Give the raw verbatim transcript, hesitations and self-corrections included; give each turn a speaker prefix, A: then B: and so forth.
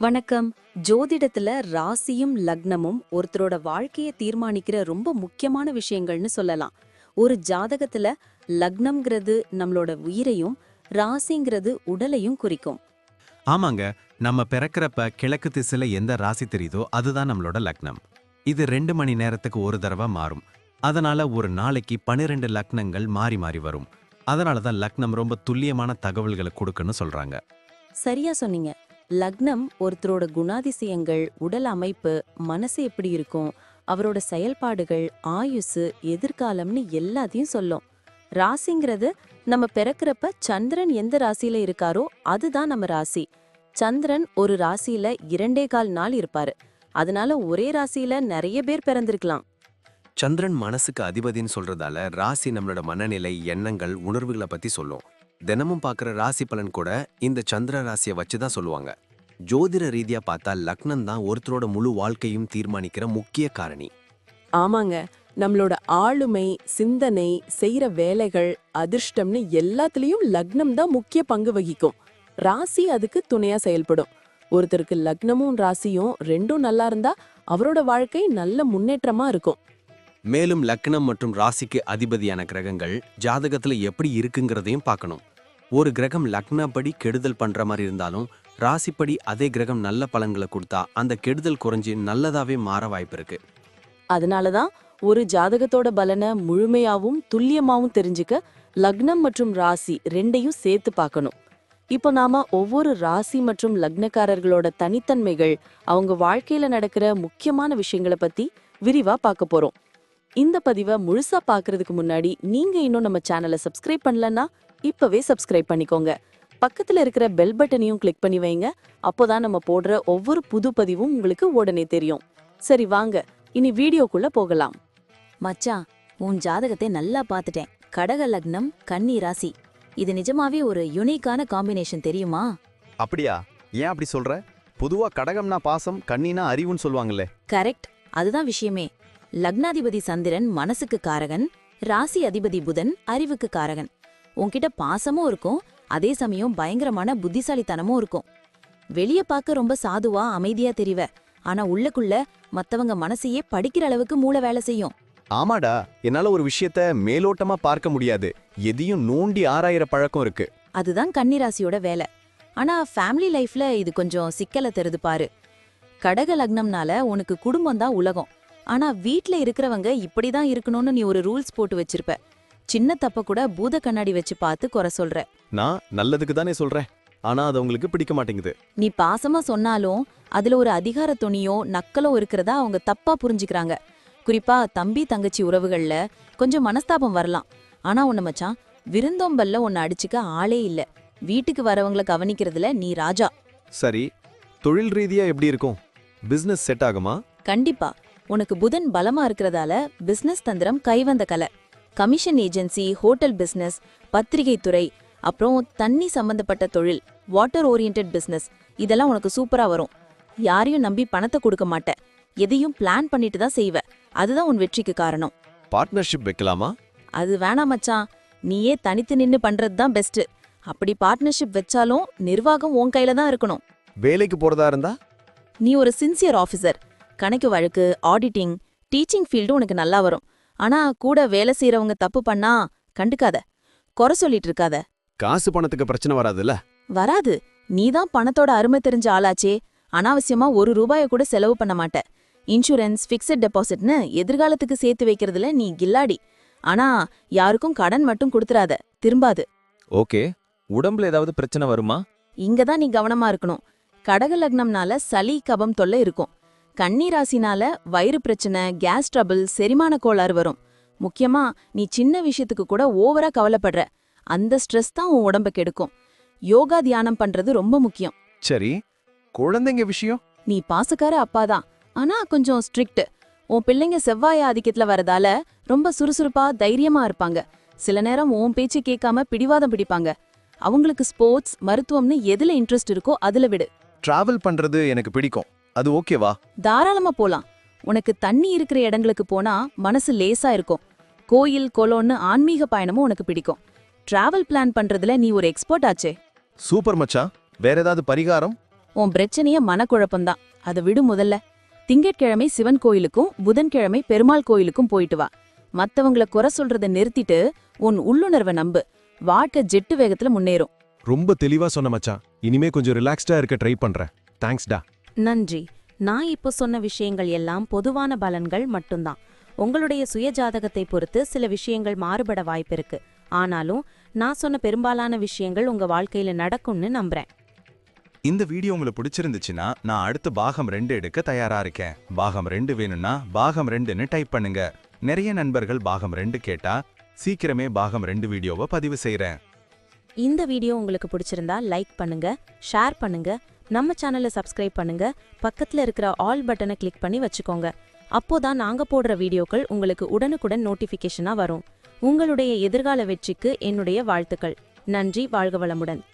A: வணக்கம். ஜோதிடத்துல ராசியும் லக்னமும் ஒருத்தரோட வாழ்க்கைய தீர்மானிக்கிற ரொம்ப முக்கியமான விஷயங்கள்னு சொல்லலாம். ஒரு ஜாதகத்துல லக்னம்ங்கிறது நம்மளோட உயிரையும், ராசிங்கிறது உடலையும் குறிக்கும்.
B: ஆமாங்க. நம்ம பிறக்கிறப்ப கிழக்கு திசையில எந்த ராசி தெரியுதோ அதுதான் நம்மளோட லக்னம். இது ரெண்டு மணி நேரத்துக்கு ஒரு தடவை மாறும். அதனால ஒரு நாளைக்கு பன்னிரெண்டு லக்னங்கள் மாறி மாறி வரும். அதனால தான் லக்னம் ரொம்ப துல்லியமான தகவல்களை கொடுக்குன்னு சொல்றாங்க.
A: சரியா சொன்னீங்க. லக்னம் ஒருத்தரோட குணாதிசயங்கள், உடல் அமைப்பு, மனசு எப்படி இருக்கும், அவரோட செயல்பாடுகள், ஆயுசு, எதிர்காலம்னு எல்லாத்தையும் சொல்லும். ராசிங்கிறது நம்ம பிறக்கிறப்ப சந்திரன் எந்த ராசியில இருக்காரோ அதுதான் நம்ம ராசி. சந்திரன் ஒரு ராசியில இரண்டே கால் நாள் இருப்பாரு. அதனால ஒரே ராசியில நிறைய பேர் பிறந்திருக்கலாம்.
C: சந்திரன் மனசுக்கு அதிபதின்னு சொல்றதால ராசி நம்மளோட மனநிலை, எண்ணங்கள், உணர்வுகளை பத்தி சொல்லும். தினமும் பார்க்குற ராசி பலன் கூட இந்த சந்திர ராசியை வச்சு தான் சொல்லுவாங்க. ஜோதிட ரீதியா பார்த்தா லக்னம் தான் ஒருத்தரோட முழு வாழ்க்கையும் தீர்மானிக்கிற முக்கிய காரணி.
D: ஆமாங்க, நம்மளோட ஆளுமை, சிந்தனை, செய்யற வேலைகள், அதிர்ஷ்டம்னு எல்லாத்துலயும் லக்னம் தான் முக்கிய பங்கு வகிக்கும். ராசி அதுக்கு துணையா செயல்படும். ஒருத்தருக்கு லக்னமும் ராசியும் ரெண்டும் நல்லா இருந்தா அவரோட வாழ்க்கை நல்ல முன்னேற்றமா இருக்கும்.
C: மேலும் லக்னம் மற்றும் ராசிக்கு அதிபதியான கிரகங்கள் ஜாதகத்துல எப்படி இருக்குங்கிறதையும் பார்க்கணும். ஒரு கிரகம் லக்னப்படி கெடுதல் பண்ற மாதிரி இருந்தாலும் ராசிப்படி அதே கிரகம் நல்ல பலன்களை கொடுத்தா அந்த கெடுதல் குறைஞ்சி நல்லதாவே மாற வாய்ப்பு இருக்கு.
D: அதனாலதான் ஒரு ஜாதகத்தோட பலனை முழுமையாவும் துல்லியமாவும் தெரிஞ்சுக்க லக்னம் மற்றும் ராசி ரெண்டையும் சேர்த்து பார்க்கணும். இப்போ நாம ஒவ்வொரு ராசி மற்றும் லக்னக்காரர்களோட தனித்தன்மைகள், அவங்க வாழ்க்கையில நடக்கிற முக்கியமான விஷயங்களை பத்தி விரிவா பார்க்க போறோம். இந்த பதிவை முழுசா பாக்குறதுக்கு முன்னாடி நீங்க இன்னும் நம்ம சேனலை சப்ஸ்கிரைப் பண்ணலன்னா இப்பவே சப்ஸ்கிரைப் பண்ணிக்கோங்க. பக்கத்துல இருக்கிற பெல் பட்டனையும் கிளிக் பண்ணி வைங்க. அப்போதான் நம்ம போடுற ஒவ்வொரு புது பதிவும் உங்களுக்கு உடனே தெரியும். சரி வாங்க, இனி வீடியோக்குள்ள போகலாம்.
A: மச்சான், உன் ஜாதகத்தை நல்லா பார்த்துட்டேன். கடக லக்னம், கன்னி ராசி. இது நிஜமாவே ஒரு யுனிக்கான காம்பினேஷன் தெரியுமா?
E: அப்படியா? ஏன் அப்படி சொல்ற? பொதுவா கடகம்னா பாசம், கன்னினா அறிவுன்னு சொல்லுவாங்களே.
A: கரெக்ட், அதுதான் விஷயமே. லக்னாதிபதி சந்திரன் மனசுக்கு காரகன், ராசி அதிபதி புதன் அறிவுக்கு காரகன். உன்கிட்ட பாசமும் இருக்கும், அதே சமயம் பயங்கரமான புத்திசாலித்தனமும் இருக்கும். வெளிய பார்க்க ரொம்ப சாதுவா அமைதியா தெரிவ, ஆனா உள்ளுக்குள்ள மத்தவங்க மனசையே படிக்கிற அளவுக்கு மூளை வேலை செய்யும்.
E: ஆமாடா, என்னால ஒரு விஷயத்த மேலோட்டமா பார்க்க முடியாது. எதையும் நோண்டி ஆராயிர பழக்கம் இருக்கு.
A: அதுதான் கன்னிராசியோட வேலை. ஆனா ஃபேமிலி லைஃப்ல இது கொஞ்சம் சிக்கலை தருது பாரு. கடக லக்னம்னால உனக்கு குடும்பம் தான் உலகம். ஆனா வீட்ல இருக்கிறவங்க இப்படிதான் இருக்கணும்னு நீ ஒரு ரூல்ஸ் போட்டு வச்சிருப்ப. சின்ன தப்ப கூட பூத கண்ணாடி வச்சு பார்த்து குறை சொல்ற.
E: நான் நல்லதுக்கு தானே சொல்றேன், ஆனா அது அவங்களுக்கு பிடிக்க மாட்டேங்குது.
A: நீ பாசமா சொன்னாலும் அதுல ஒரு அதிகார துணியோ நக்கலோ இருக்கிறதா அவங்க தப்பா புரிஞ்சுக்கிறாங்க. குறிப்பா தம்பி தங்கச்சி உறவுகள்ல கொஞ்சம் மனஸ்தாபம் வரலாம். ஆனா உன்ன மச்சான், விருந்தோம்பல்ல உன்னை அடிச்சுக்க ஆளே இல்ல. வீட்டுக்கு வரவங்களை கவனிக்கிறதுல நீ ராஜா.
E: சரி, தொழில் ரீதியா எப்படி இருக்கும்? பிசினஸ் செட் ஆகுமா?
A: கண்டிப்பா. உனக்கு புதன் பலமா இருக்கிறதால பிசினஸ் தந்திரம் கைவந்த கலை. கமிஷன் ஏஜென்சி, ஹோட்டல் பிசினஸ், பத்திரிகை துறை, அப்புறம் தண்ணி சம்பந்தப்பட்ட தொழில், வாட்டர் ஓரியன்ட் பிசினஸ், இதெல்லாம் உனக்கு சூப்பரா வரும். யாரையும் நம்பி பணத்தை கொடுக்க மாட்ட. எதையும் பிளான் பண்ணிட்டு தான் செய்வ. அதுதான் உன் வெற்றிக்கு காரணம்.
E: பார்ட்னர்ஷிப் வைக்கலாமா?
A: அது வேணாம் மச்சான், நீயே தனித்து நின்னு பண்றது தான் பெஸ்ட். அப்படி பார்ட்னர்ஷிப் வச்சாலும் நிர்வாகம் உன் கையில தான் இருக்கணும்.
E: வேலைக்கு போறதா இருந்தா?
A: நீ ஒரு சின்சியர் ஆஃபீஸர். கணக்கு வழக்கு, ஆடிட்டிங், டீச்சிங் ஃபீல்டு உனக்கு நல்லா வரும். ஆனா கூட வேலை செய்யறவங்க தப்பு பண்ணா கண்டுக்காத, குறை சொல்லிட்டு இருக்காத.
E: காசு பணத்துக்கு பிரச்சனை வராதுல்ல?
A: வராது. நீதான் பணத்தோட அருமை தெரிஞ்ச ஆளாச்சே. அனாவசியமா ஒரு ரூபாய கூட செலவு பண்ண மாட்ட. இன்சூரன்ஸ், ஃபிக்ஸட் டெபாசிட்னு எதிர்காலத்துக்கு சேர்த்து வைக்கிறதுல நீ கில்லாடி. ஆனா யாருக்கும் கடன் மட்டும் கொடுத்துறாத, திரும்பாது.
F: ஓகே, உடம்புல ஏதாவது பிரச்சனை வருமா?
A: இங்கதான் நீ கவனமா இருக்கணும். கடக லக்னம்னால சளி கபம் தொல்லை இருக்கும். கன்னி ராசினால வயிறு பிரச்சனை, கேஸ் ட்ரபிள், செரிமான கோளாறு வரும். முக்கியமா நீ சின்ன விஷயத்துக்கு கூட ஓவரா கவலைப்படுற. அந்த ஸ்ட்ரெஸ் தான் உன் உடம்ப கெடுக்கும். யோகா தியானம் பண்றது ரொம்ப முக்கியம்.
E: சரி, குழந்தைங்க விஷயம்?
A: நீ பாசக்கார அப்பாதான், ஆனா கொஞ்சம் ஸ்ட்ரிக்ட். உன் பிள்ளைங்க செவ்வாய் ஆதிக்கத்துல வரதால ரொம்ப சுறுசுறுப்பா தைரியமா இருப்பாங்க. சில நேரம் உன் பேச்சு கேட்காம பிடிவாதம் பிடிப்பாங்க. அவங்களுக்கு ஸ்போர்ட்ஸ், மருத்துவம்னு எதுல இன்ட்ரெஸ்ட் இருக்கோ அதுல விடு.
E: டிராவல் பண்றது எனக்கு பிடிக்கும், அது ஓகேவா?
A: தாராளமா போலாம். உனக்கு தண்ணி இருக்கிற இடங்களுக்கு போனா மனசு லேசா இருக்கும். கோயில், கொலோன்னு ஆன்மீக பயணமும் உனக்கு பிடிக்கும். டிராவல் பிளான் பண்றதுல நீ ஒரு எக்ஸ்பர்ட் ஆச்சே.
E: சூப்பர் மச்சான். வேற ஏதாவது பரிகாரம்?
D: உன் பிரச்சனைய மனக்குழப்பம்தான். அதை விடு முதல்ல. திங்கட்கிழமை சிவன் கோயிலுக்கும் புதன்கிழமை பெருமாள் கோயிலுக்கும் போயிட்டு வா. மத்தவங்கள குறை சொல்றத நிறுத்திட்டு உன் உள்ளுணர்வை நம்பு. வாழ்க்கை ஜெட்டு வேகத்துல முன்னேறும்.
G: ரொம்ப தெளிவா சொன்ன மச்சான். இனிமே கொஞ்சம் ரிலாக்ஸ்டா இருக்க ட்ரை பண்றேன். தேங்க்ஸ்டா.
A: நன்றி. நான் இப்போ சொன்ன விஷயங்கள் எல்லாம் பொதுவான பலன்கள் மட்டும்தான். உங்களுடைய சுய ஜாதகத்தை பொறுத்து சில விஷயங்கள் மாறுபட வாய்ப்பிருக்கு. ஆனாலும் நான் சொன்ன பெரும்பாலான விஷயங்கள் உங்க வாழ்க்கையில நடக்கும்னு நம்புறேன்.
H: இந்த வீடியோ உங்களுக்கு பிடிச்சிருந்துச்சுன்னா நான் அடுத்து பாகம் ரெண்டு எடுக்க தயாரா இருக்கேன். பாகம் ரெண்டு வேணும்னா பாகம் ரெண்டுன்னு டைப் பண்ணுங்க. நிறைய நண்பர்கள் பாகம் ரெண்டு கேட்டா சீக்கிரமே பாகம் ரெண்டு வீடியோவை பதிவு செய்றேன்.
A: இந்த வீடியோ உங்களுக்கு பிடிச்சிருந்தா லைக் பண்ணுங்க, ஷேர் பண்ணுங்க, நம்ம சேனலை சப்ஸ்கிரைப் பண்ணுங்க, பக்கத்துல இருக்கிற ஆல் பட்டனை கிளிக் பண்ணி வச்சுக்கோங்க. அப்போதான் நாங்க போடுற வீடியோக்கள் உங்களுக்கு உடனுக்குடன் நோட்டிஃபிகேஷனா வரும். உங்களுடைய எதிர்கால வெற்றிக்கு என்னுடைய வாழ்த்துக்கள். நன்றி. வாழ்க வளமுடன்.